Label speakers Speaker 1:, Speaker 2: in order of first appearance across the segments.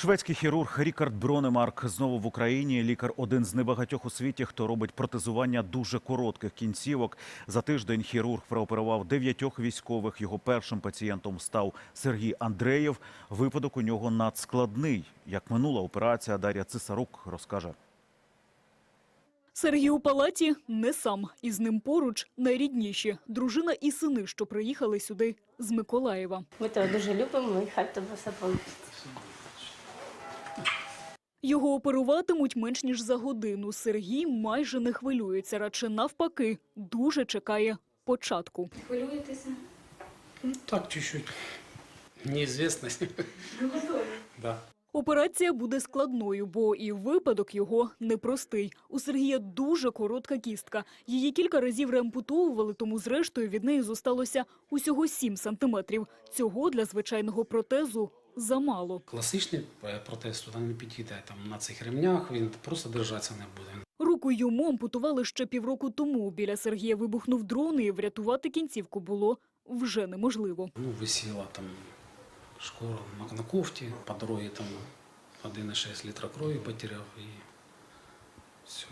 Speaker 1: Шведський хірург Рікард Бронемарк знову в Україні. Лікар – один з небагатьох у світі, хто робить протезування дуже коротких кінцівок. За тиждень хірург прооперував 9 військових. Його першим пацієнтом став Сергій Андреєв. Випадок у нього надскладний. Як минула операція, Дар'я Цисарук розкаже.
Speaker 2: Сергій у палаті не сам. Із ним поруч найрідніші – дружина і сини, що приїхали сюди з Миколаєва.
Speaker 3: Ми тебе дуже любимо і хай тебе все вийде.
Speaker 2: Його оперуватимуть менш ніж за годину. Сергій майже не хвилюється, радше навпаки, дуже чекає початку.
Speaker 3: Хвилюєтеся?
Speaker 4: Так, чуть-чуть. Неизвестность. Да.
Speaker 2: Операція буде складною, бо і випадок його непростий. У Сергія дуже коротка кістка. Її кілька разів реампутовували, тому зрештою від неї зосталося усього 7 сантиметрів. Цього для звичайного протезу замало.
Speaker 4: Класичний протез туди не підійде. Там на цих ремнях він просто держатися не буде.
Speaker 2: Руку йому ампутували ще півроку тому. Біля Сергія вибухнув дрон, і врятувати кінцівку було вже неможливо.
Speaker 4: Висіла там шкура на кофті, по дорозі там 1,6 літра крові потеряв і все.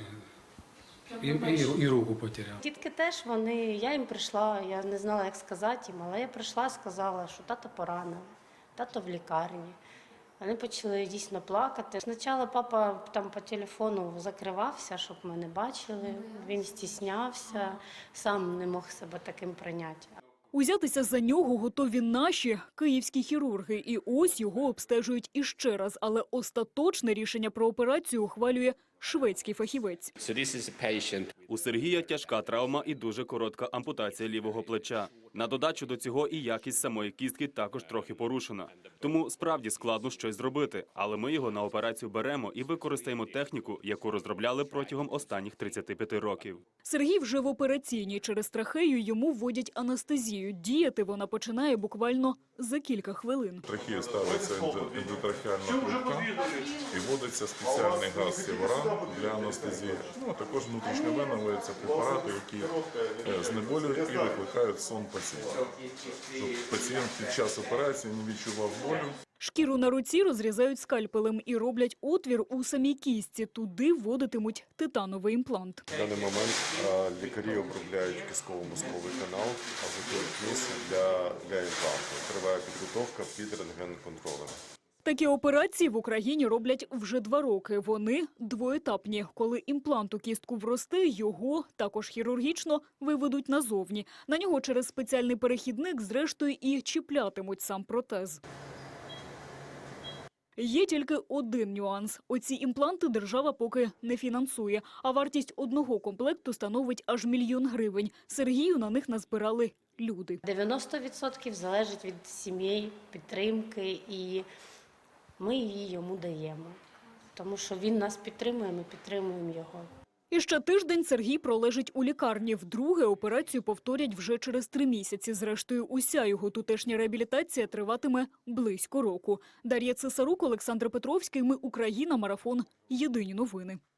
Speaker 4: І руку потеряв.
Speaker 3: Дітки теж, я їм прийшла, я не знала, як сказати їм, але я прийшла, сказала, що тато поранений, тато в лікарні. Вони почали дійсно плакати. Спочатку папа там по телефону закривався, щоб ми не бачили, він стіснявся, сам не мог себе таким прийняти.
Speaker 2: Узятися за нього готові наші київські хірурги. І ось його обстежують іще раз. Але остаточне рішення про операцію ухвалює шведський фахівець.
Speaker 5: У Сергія тяжка травма і дуже коротка ампутація лівого плеча. На додачу до цього і якість самої кістки також трохи порушена. Тому справді складно щось зробити. Але ми його на операцію беремо і використаємо техніку, яку розробляли протягом останніх 35 років.
Speaker 2: Сергій вже в операційній. Через трахею йому вводять анестезію. Діяти вона починає буквально за кілька хвилин.
Speaker 6: Трахею ставиться ендотрахеальна трубка і вводиться спеціальний газ сівора для анестезії. Також внутрішньо вводяться препарати, які знеболюють і викликають сон пацієнта. Щоб пацієнт під час операції не відчував болю.
Speaker 2: Шкіру на руці розрізають скальпелем і роблять отвір у самій кістці. Туди вводитимуть титановий імплант.
Speaker 7: В даний момент лікарі обробляють кістково-мозковий канал, а готують місце для імпланту. Триває підготовка під рентген-контролем.
Speaker 2: Такі операції в Україні роблять вже 2 роки. Вони двоетапні. Коли імплант у кістку вросте, його, також хірургічно, виведуть назовні. На нього через спеціальний перехідник, зрештою, і чіплятимуть сам протез. Є тільки один нюанс. Оці імпланти держава поки не фінансує, а вартість одного комплекту становить аж 1 мільйон гривень. Сергію на них назбирали люди.
Speaker 3: 90% залежить від сімей, підтримки, і ми її йому даємо. Тому що він нас підтримує, ми підтримуємо його.
Speaker 2: І ще тиждень Сергій пролежить у лікарні. Вдруге операцію повторять вже через 3 місяці. Зрештою, уся його тутешня реабілітація триватиме близько року. Дар'я Цисарук, Олександр Петровський. Ми Україна. Марафон. Єдині новини.